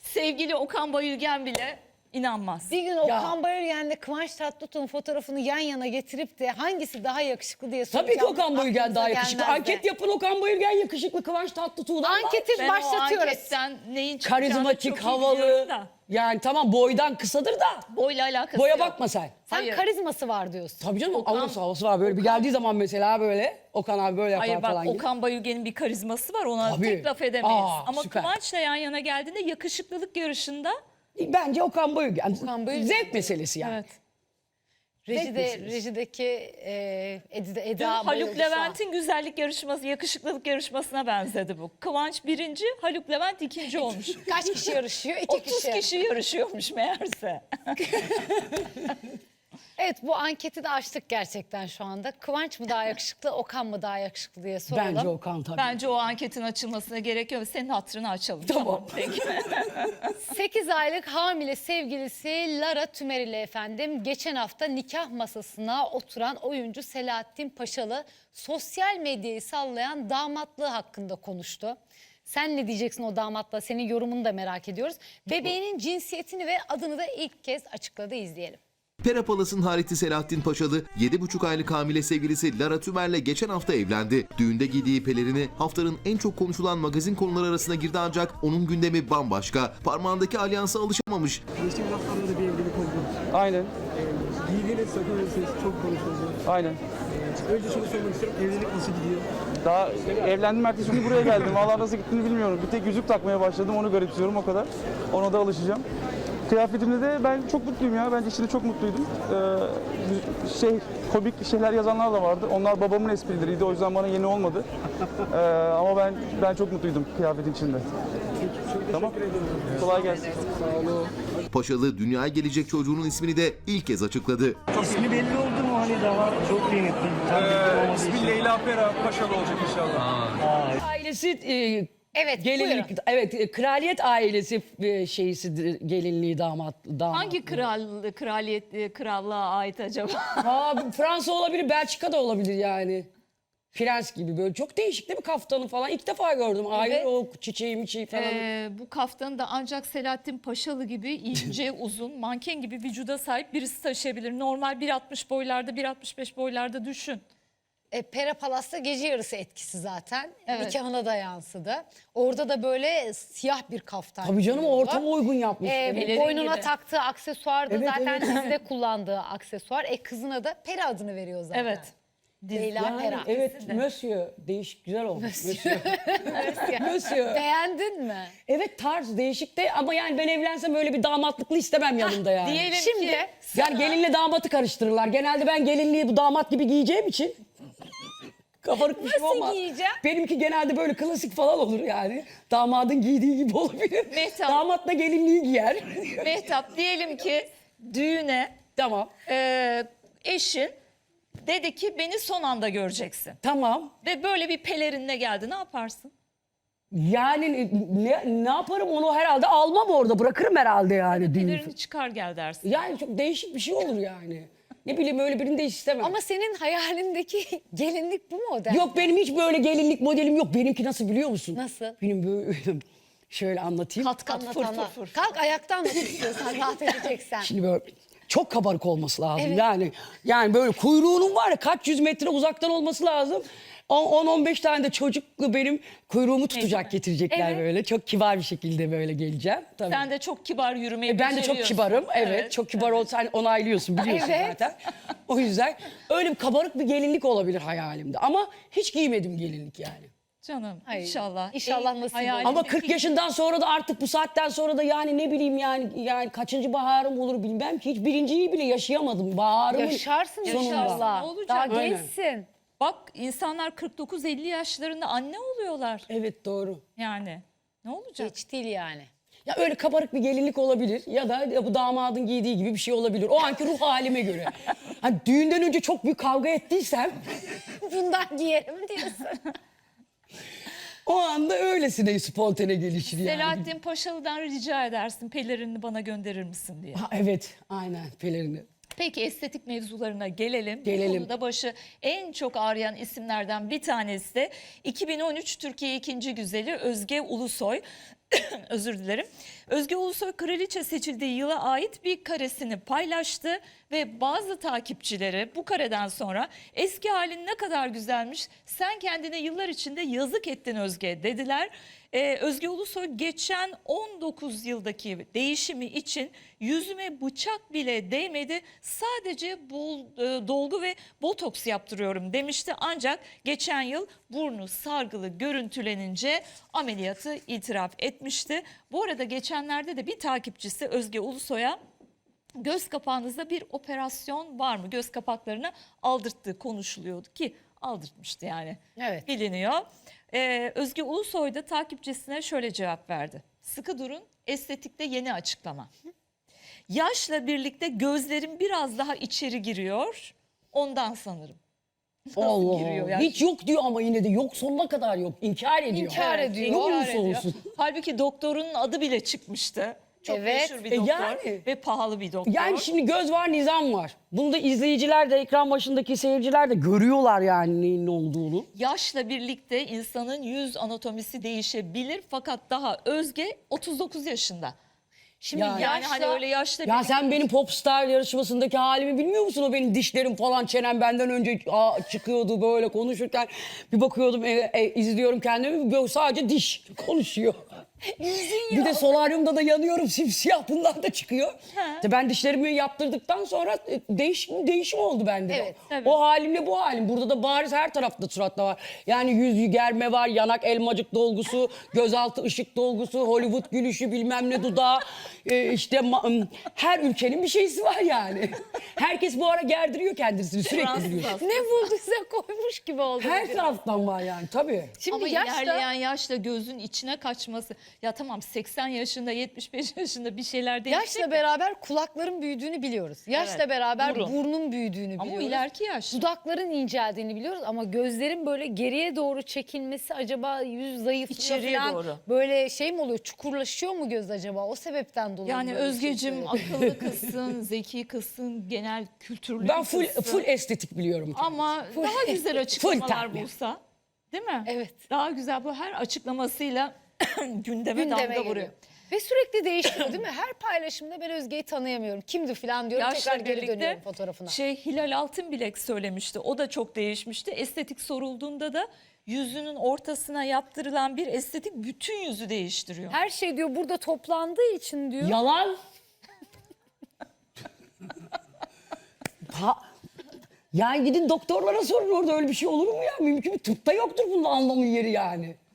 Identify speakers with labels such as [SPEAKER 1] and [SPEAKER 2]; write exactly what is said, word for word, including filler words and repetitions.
[SPEAKER 1] sevgili Okan Bayülgen bile inanmaz.
[SPEAKER 2] Bir gün Okan Bayülgen'le Kıvanç Tatlıtuğ'un fotoğrafını yan yana getirip de hangisi daha yakışıklı diye soracağım.
[SPEAKER 3] Tabii ki Okan Bayülgen
[SPEAKER 2] Aklınıza
[SPEAKER 3] daha yakışıklı.
[SPEAKER 2] gelmez de.
[SPEAKER 3] Anket yapın, Okan Bayülgen yakışıklı, Kıvanç Tatlıtuğ'dan var.
[SPEAKER 2] Anketi
[SPEAKER 1] Ben
[SPEAKER 2] başlatıyoruz.
[SPEAKER 1] o anketten neyin çıkacağını
[SPEAKER 3] Karizmatik,
[SPEAKER 1] çok iyi
[SPEAKER 3] havalı.
[SPEAKER 1] biliyorum da.
[SPEAKER 3] Yani tamam boydan kısadır da.
[SPEAKER 1] Boyla alakası
[SPEAKER 3] Boya
[SPEAKER 1] yok.
[SPEAKER 3] bakma sen.
[SPEAKER 2] Sen
[SPEAKER 1] Hayır.
[SPEAKER 2] karizması var diyorsun.
[SPEAKER 3] Tabii canım
[SPEAKER 1] Okan-
[SPEAKER 3] havası havası var. Böyle bir geldiği zaman mesela böyle Okan abi böyle yapar
[SPEAKER 1] Hayır bak
[SPEAKER 3] falan gibi.
[SPEAKER 1] Okan Bayülgen'in bir karizması var, ona
[SPEAKER 3] Tabii.
[SPEAKER 1] tek laf edemeyiz.
[SPEAKER 3] Aa,
[SPEAKER 1] Ama
[SPEAKER 3] süper.
[SPEAKER 1] Kıvanç'la yan yana geldiğinde yakışıklılık yarışında
[SPEAKER 3] Bence Okan Bayülgen.
[SPEAKER 2] Okan Bayülgen.
[SPEAKER 3] Zevk meselesi yani.
[SPEAKER 1] evet.
[SPEAKER 2] Rejide,
[SPEAKER 3] meselesi.
[SPEAKER 2] rejideki e, Eda,
[SPEAKER 1] Dün
[SPEAKER 2] Eda
[SPEAKER 1] Haluk
[SPEAKER 2] bayıldı şu an.
[SPEAKER 1] Levent'in güzellik yarışması, yakışıklılık yarışmasına benzedi bu. Kıvanç birinci, Haluk Levent ikinci olmuş.
[SPEAKER 2] Kaç kişi yarışıyor? İki
[SPEAKER 1] otuz
[SPEAKER 2] kişi.
[SPEAKER 1] kişi yarışıyormuş meğerse.
[SPEAKER 2] Evet, bu anketi de açtık gerçekten şu anda. Kıvanç mı daha yakışıklı, Okan mı daha yakışıklı diye soralım.
[SPEAKER 3] Bence Okan tabii.
[SPEAKER 1] Bence o anketin açılmasına gerek yok. Senin hatırını açalım.
[SPEAKER 3] Tamam.
[SPEAKER 1] Peki.
[SPEAKER 2] sekiz aylık hamile sevgilisi Lara Tümer ile efendim geçen hafta nikah masasına oturan oyuncu Selahattin Paşalı sosyal medyayı sallayan damatlığı hakkında konuştu. Sen ne diyeceksin o damatla? Senin yorumunu da merak ediyoruz. Bebeğinin cinsiyetini ve adını da ilk kez açıkladı, izleyelim.
[SPEAKER 4] Pera Palas'ın hariti Selahattin Paşalı, yedi buçuk aylık hamile sevgilisi Lara Tümer'le geçen hafta evlendi. Düğünde giydiği pelerini haftanın en çok konuşulan magazin konuları arasına girdi ancak onun gündemi bambaşka. Parmağındaki alyansa alışamamış.
[SPEAKER 5] Geçtiğimiz haftalarda da bir evlilik oldu.
[SPEAKER 6] Aynen,
[SPEAKER 5] Ee, giydiğiniz sakın elbiseniz çok konuşuldu.
[SPEAKER 6] aynen.
[SPEAKER 5] Ee, önce şunu sormak istiyorum. Evlilik nasıl gidiyor?
[SPEAKER 6] Daha evlendim, ertesi gün buraya geldim. Vallahi nasıl gittiğini bilmiyorum. Bir tek yüzük takmaya başladım, onu garipsiyorum o kadar. Ona da alışacağım. Kıyafetimde de ben çok mutluyum ya. Bence içinde çok mutluydum. Ee, şey, komik şeyler yazanlar da vardı. Onlar babamın esprileriydi. O yüzden bana yeni olmadı. Ee, ama ben ben çok mutluydum kıyafetin içinde.
[SPEAKER 5] Peki, çok
[SPEAKER 6] Tamam.
[SPEAKER 5] teşekkür ederim.
[SPEAKER 6] Kolay gelsin.
[SPEAKER 5] Sağ olun.
[SPEAKER 4] Paşalı dünyaya gelecek çocuğunun ismini de ilk kez açıkladı.
[SPEAKER 5] İsmi belli oldu mu? Hani daha çok kıymetli. Tam belli olmadığı için.
[SPEAKER 7] İsmi Leyla Pera Paşalı olacak inşallah.
[SPEAKER 3] Ailesi e,
[SPEAKER 2] Evet,
[SPEAKER 3] gelinlik,
[SPEAKER 2] buyurun.
[SPEAKER 3] evet e, kraliyet ailesi e, şeysidir, gelinliği damat damat.
[SPEAKER 1] Hangi kral, kraliyet, krallığa ait acaba?
[SPEAKER 3] Aa, Fransa olabilir, Belçika da olabilir yani. Prens gibi böyle çok değişik değil mi kaftanı falan? İlk defa gördüm. Ayrı
[SPEAKER 2] Evet.
[SPEAKER 3] o çiçeği miçeği falan.
[SPEAKER 1] Ee, bu kaftanı da ancak Selahattin Paşalı gibi ince, uzun, manken gibi vücuda sahip birisi taşıyabilir. Normal bir altmış boylarda, bir altmış beş boylarda düşün.
[SPEAKER 2] E, Pera Palas'ta gece yarısı etkisi zaten.
[SPEAKER 1] Evet.
[SPEAKER 2] Nikahına da yansıdı. Orada da böyle siyah bir kaftan.
[SPEAKER 3] Tabii canım
[SPEAKER 2] giyiyordu.
[SPEAKER 3] ortama uygun yapmış.
[SPEAKER 2] E,
[SPEAKER 3] Evet.
[SPEAKER 1] Pelerin
[SPEAKER 2] boynuna
[SPEAKER 1] gibi.
[SPEAKER 2] taktığı aksesuar da
[SPEAKER 3] Evet,
[SPEAKER 2] zaten
[SPEAKER 3] evet.
[SPEAKER 2] dizide kullandığı aksesuar. E, kızına da Pera adını veriyor zaten.
[SPEAKER 1] Evet.
[SPEAKER 2] Leyla
[SPEAKER 3] Yani,
[SPEAKER 2] Pera.
[SPEAKER 3] evet, Monsieur. Değişik, güzel olmuş. Monsieur.
[SPEAKER 2] Monsieur.
[SPEAKER 3] Monsieur.
[SPEAKER 2] Beğendin mi?
[SPEAKER 3] Evet tarz değişik de ama yani ben evlensem öyle bir damatlıklı istemem yanımda yani.
[SPEAKER 1] Diyelim
[SPEAKER 2] Şimdi
[SPEAKER 1] ki
[SPEAKER 3] Yani gelinle damatı karıştırırlar. Genelde ben gelinliği bu damat gibi giyeceğim için. Kabarık bir şey
[SPEAKER 2] Nasıl
[SPEAKER 3] olmaz.
[SPEAKER 2] giyeceğim?
[SPEAKER 3] Benimki genelde böyle klasik falan olur yani. Damadın giydiği gibi olabilir.
[SPEAKER 1] Mehtap.
[SPEAKER 3] Damat da gelinliği giyer.
[SPEAKER 1] Mehtap diyelim ki düğüne
[SPEAKER 3] Tamam.
[SPEAKER 1] e, eşin dedi ki beni son anda göreceksin.
[SPEAKER 3] Tamam.
[SPEAKER 1] Ve böyle bir pelerinle geldi, ne yaparsın?
[SPEAKER 3] Yani ne, ne yaparım onu herhalde almam orada. Bırakırım herhalde yani düğünü.
[SPEAKER 1] Pelerini çıkar gel dersin.
[SPEAKER 3] Yani çok değişik bir şey olur yani. Ne bileyim öyle birini de istemem.
[SPEAKER 2] Ama senin hayalindeki gelinlik bu model.
[SPEAKER 3] Yok benim hiç böyle gelinlik modelim yok. Benimki nasıl biliyor musun?
[SPEAKER 2] Nasıl?
[SPEAKER 3] Benim böyle şöyle anlatayım.
[SPEAKER 1] Kat kat
[SPEAKER 2] Anlat,
[SPEAKER 1] fır
[SPEAKER 2] anlat.
[SPEAKER 1] fır fır.
[SPEAKER 2] Kalk ayaktan nasıl istiyorsan rahat edeceksen.
[SPEAKER 3] Şimdi böyle çok kabarık olması lazım.
[SPEAKER 2] Evet.
[SPEAKER 3] Yani yani böyle kuyruğunun var ya kaç yüz metre uzaktan olması lazım. on on beş tane de çocuklu benim kuyruğumu tutacak getirecekler
[SPEAKER 2] Evet.
[SPEAKER 3] böyle. Çok kibar bir şekilde böyle geleceğim. Tabii.
[SPEAKER 1] Sen de çok kibar yürümeyi
[SPEAKER 3] E, ben de çok
[SPEAKER 1] beceriyorsun.
[SPEAKER 3] kibarım. Evet, çok kibar ol sen onaylıyorsun biliyorsun
[SPEAKER 2] Evet.
[SPEAKER 3] zaten. O yüzden öyle bir kabarık bir gelinlik olabilir hayalimde. Ama hiç giymedim gelinlik yani.
[SPEAKER 1] Canım
[SPEAKER 2] Ay,
[SPEAKER 1] inşallah.
[SPEAKER 2] inşallah
[SPEAKER 1] En
[SPEAKER 2] nasip
[SPEAKER 1] hayalindeki-
[SPEAKER 3] Ama kırk yaşından sonra da artık bu saatten sonra da yani ne bileyim yani yani kaçıncı baharım olur bilmem ki hiç birinciyi bile yaşayamadım. Baharımın
[SPEAKER 2] Yaşarsın
[SPEAKER 3] sonunda.
[SPEAKER 2] inşallah.
[SPEAKER 1] Ne olacak?
[SPEAKER 2] Daha
[SPEAKER 3] Aynen.
[SPEAKER 2] gençsin.
[SPEAKER 1] Bak insanlar kırk dokuz elli yaşlarında anne oluyorlar.
[SPEAKER 3] Evet doğru.
[SPEAKER 1] Yani ne olacak?
[SPEAKER 2] Geç değil yani.
[SPEAKER 3] Ya öyle kabarık bir gelinlik olabilir ya da ya bu damadın giydiği gibi bir şey olabilir. O anki ruh halime göre. Hani düğünden önce çok büyük kavga ettiysem
[SPEAKER 2] Bundan giyerim diyorsun.
[SPEAKER 3] o anda öylesine spontane gelişir yani.
[SPEAKER 1] Selahattin Paşalı'dan rica edersin pelerinini bana gönderir misin diye.
[SPEAKER 3] Ha, evet aynen pelerini.
[SPEAKER 1] Peki estetik mevzularına gelelim.
[SPEAKER 3] Gelelim.
[SPEAKER 1] Bu konuda başı en çok ağrıyan isimlerden bir tanesi de iki bin on üç Türkiye ikinci güzeli Özge Ulusoy. Özür dilerim. Özge Ulusoy kraliçe seçildiği yıla ait bir karesini paylaştı ve bazı takipçileri bu kareden sonra eski halin ne kadar güzelmiş, sen kendine yıllar içinde yazık ettin Özge dediler. Ee, Özge Ulusoy geçen on dokuz yıldaki değişimi için yüzüme bıçak bile değmedi, sadece bol, e, dolgu ve botoks yaptırıyorum demişti. Ancak geçen yıl burnu sargılı görüntülenince ameliyatı itiraf etmişti. Bu arada geçenlerde de bir takipçisi Özge Ulusoy'a göz kapağınızda bir operasyon var mı? Göz kapaklarını aldırttığı konuşuluyordu ki aldırtmıştı yani.
[SPEAKER 2] Evet.
[SPEAKER 1] Biliniyor. Ee, Özge Ulusoy da takipçisine şöyle cevap verdi. Sıkı durun, estetikte yeni açıklama. Yaşla birlikte gözlerim biraz daha içeri giriyor. Ondan sanırım. Nasıl
[SPEAKER 3] Allah
[SPEAKER 1] giriyor
[SPEAKER 3] Allah.
[SPEAKER 1] yaş?
[SPEAKER 3] Hiç yok diyor ama yine de yok, sonuna kadar yok. İnkar ediyor.
[SPEAKER 2] İnkar
[SPEAKER 1] Evet,
[SPEAKER 2] ediyor.
[SPEAKER 3] Ne
[SPEAKER 1] inkar
[SPEAKER 3] olursa
[SPEAKER 1] ediyor.
[SPEAKER 3] olsun.
[SPEAKER 1] Halbuki doktorun adı bile çıkmıştı. Çok
[SPEAKER 2] Evet.
[SPEAKER 1] meşhur bir
[SPEAKER 3] E
[SPEAKER 1] doktor
[SPEAKER 3] yani.
[SPEAKER 1] ve pahalı bir doktor.
[SPEAKER 3] Yani şimdi göz var, nizam var. Bunu da izleyiciler de, ekran başındaki seyirciler de görüyorlar yani neyin ne olduğunu.
[SPEAKER 1] Yaşla birlikte insanın yüz anatomisi değişebilir fakat daha Özge otuz dokuz yaşında. Şimdi
[SPEAKER 3] Yani-
[SPEAKER 1] yani, hani öyle yaşla
[SPEAKER 3] Ya
[SPEAKER 1] birlikte...
[SPEAKER 3] sen benim Popstar yarışmasındaki halimi bilmiyor musun? O benim dişlerim falan, çenem benden önce aa, çıkıyordu böyle konuşurken. Bir bakıyordum, e, e, izliyorum kendimi, böyle sadece diş konuşuyor. Bir de solaryumda da yanıyorum, simsiyah, bunlar da çıkıyor. İşte ben dişlerimi yaptırdıktan sonra e, değişim değişim oldu bende.
[SPEAKER 2] Evet,
[SPEAKER 1] tabii.
[SPEAKER 3] O halimle bu halim. Burada da bariz her tarafta suratta var. Yani yüz germe var, yanak elmacık dolgusu, gözaltı ışık dolgusu, Hollywood gülüşü, bilmem ne dudağı. E, işte ma- her ülkenin bir şeysi var yani. Herkes bu ara gerdiriyor kendisini sürekli
[SPEAKER 1] Fransız
[SPEAKER 3] biliyor.
[SPEAKER 1] hastası.
[SPEAKER 2] Ne bulduysa koymuş gibi oldu.
[SPEAKER 3] Her taraftan var yani tabii.
[SPEAKER 2] Şimdi
[SPEAKER 1] Ama
[SPEAKER 2] yaşta
[SPEAKER 1] ilerleyen yaşla gözün içine kaçması. Ya tamam seksen yaşında, yetmiş beş yaşında bir şeyler değişecek.
[SPEAKER 2] yaşla beraber kulakların büyüdüğünü biliyoruz. Yaşla
[SPEAKER 1] Evet,
[SPEAKER 2] beraber
[SPEAKER 1] burun.
[SPEAKER 2] burnun büyüdüğünü
[SPEAKER 1] Ama o
[SPEAKER 2] biliyoruz.
[SPEAKER 1] ileriki yaş.
[SPEAKER 2] Dudakların inceldiğini biliyoruz ama gözlerin böyle geriye doğru çekilmesi, acaba yüz zayıflıyor
[SPEAKER 1] İçeriye
[SPEAKER 2] falan,
[SPEAKER 1] doğru.
[SPEAKER 2] böyle şey mi oluyor, çukurlaşıyor mu göz acaba, o sebepten dolayı
[SPEAKER 1] Yani
[SPEAKER 2] böyle bir şey
[SPEAKER 1] Özgeciğim
[SPEAKER 2] söyledi.
[SPEAKER 1] akıllı kızsın, zeki kızsın, genel kültürlü
[SPEAKER 3] Ben
[SPEAKER 1] bir
[SPEAKER 3] full
[SPEAKER 1] kızsın.
[SPEAKER 3] full estetik biliyorum.
[SPEAKER 1] Ama daha güzel açıklamalar
[SPEAKER 3] terbiye.
[SPEAKER 1] bulsa, değil mi?
[SPEAKER 2] Evet.
[SPEAKER 1] Daha güzel, bu her açıklamasıyla gündeme,
[SPEAKER 2] Gündeme
[SPEAKER 1] damga
[SPEAKER 2] geliyor.
[SPEAKER 1] vuruyor.
[SPEAKER 2] Ve sürekli değişiyor değil mi? Her paylaşımda ben Özge'yi tanıyamıyorum. Kimdi falan diyorum.
[SPEAKER 1] Yaşla
[SPEAKER 2] tekrar geri
[SPEAKER 1] birlikte
[SPEAKER 2] dönüyorum fotoğrafına.
[SPEAKER 1] şey Hilal Altınbilek söylemişti. O da çok değişmişti. Estetik sorulduğunda da yüzünün ortasına yaptırılan bir estetik bütün yüzü değiştiriyor.
[SPEAKER 2] Her şey diyor burada toplandığı için diyor.
[SPEAKER 3] Yalan. Ha, yani gidin doktorlara sorun, orada öyle bir şey olur mu ya? Mümkün mü? Tıpta yoktur bunun anlamı yeri yani.